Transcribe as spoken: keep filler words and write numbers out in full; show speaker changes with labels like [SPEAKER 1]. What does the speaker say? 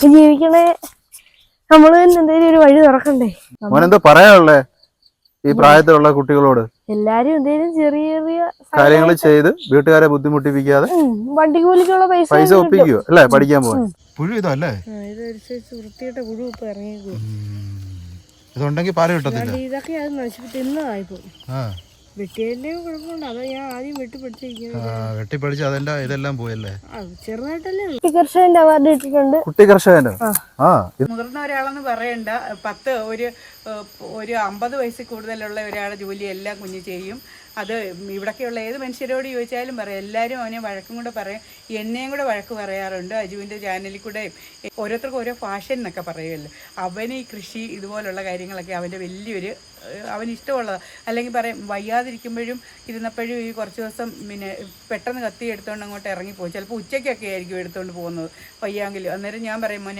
[SPEAKER 1] ജീവിക്കണേ നമ്മള് തന്നെ എന്തെങ്കിലും ഒരു വഴി തുറക്കണ്ടേ.
[SPEAKER 2] മോനെന്തോ പറയാനുള്ളേ ഈ പ്രായത്തിലുള്ള കുട്ടികളോട്?
[SPEAKER 1] എല്ലാരും എന്തെങ്കിലും ചെറിയ ചെറിയ
[SPEAKER 2] കാര്യങ്ങൾ ചെയ്ത് വീട്ടുകാരെ ബുദ്ധിമുട്ടിപ്പിക്കാതെ
[SPEAKER 1] വണ്ടി കൂലിക്കുള്ള പൈസ
[SPEAKER 2] പൈസ ഒപ്പിക്കോ അല്ലേ പഠിക്കാൻ പോവാൻ. പുഴു ഇതല്ലേ
[SPEAKER 1] ഇതൊരു വൃത്തിയുടെ പുഴു ഇപ്പൊ ഇറങ്ങിയേക്കോ.
[SPEAKER 2] ഇതുണ്ടെങ്കിൽ പാല് കിട്ടത്തില്ല.
[SPEAKER 1] ഇതൊക്കെ അത് നശിപ്പിച്ച് തിന്നതായിപ്പോ. വെട്ടിയല്ലേ കുഴപ്പമുണ്ട്. അതാ ഞാൻ ആദ്യം വെട്ടി പഠിച്ചിരിക്കുന്നത്.
[SPEAKER 2] വെട്ടിപ്പടിച്ച് അതെല്ലാം ഇതെല്ലാം പോയല്ലേ.
[SPEAKER 1] ചെറുതായിട്ടല്ലേ കുട്ടി കർഷകന്റെ അവാർഡ് ഇട്ടിട്ടുണ്ട്.
[SPEAKER 2] കുട്ടി കർഷകന്റെ ആ
[SPEAKER 3] മുതിർന്ന ഒരാളെന്ന് പറയണ്ട, പത്ത് ഒരു ഒരു അമ്പത് വയസ്സിൽ കൂടുതലുള്ള ഒരാളുടെ ജോലി എല്ലാം കുഞ്ഞ് ചെയ്യും. അത് ഇവിടൊക്കെയുള്ള ഏത് മനുഷ്യരോട് ചോദിച്ചാലും പറയാം. എല്ലാവരും അവനെ വഴക്കും കൂടെ പറയും. എന്നെയും കൂടെ വഴക്ക് പറയാറുണ്ട്. അജുവിൻ്റെ ചാനലിൽ കൂടെ ഓരോരുത്തർക്കും ഓരോ ഫാഷൻ എന്നൊക്കെ പറയുമല്ലോ. അവന് ഈ കൃഷി ഇതുപോലുള്ള കാര്യങ്ങളൊക്കെ അവൻ്റെ വലിയൊരു അവന് ഇഷ്ടമുള്ളതാണ്. അല്ലെങ്കിൽ പറയും വയ്യാതിരിക്കുമ്പോഴും ഇരുന്നപ്പോഴും ഈ കുറച്ച് ദിവസം പിന്നെ പെട്ടെന്ന് കത്തി എടുത്തുകൊണ്ട് അങ്ങോട്ട് ഇറങ്ങിപ്പോയി. ചിലപ്പോൾ ഉച്ചയ്ക്കൊക്കെ ആയിരിക്കും എടുത്തുകൊണ്ട് പോകുന്നത് വയ്യാങ്കിലും. അന്നേരം ഞാൻ പറയും മോനെ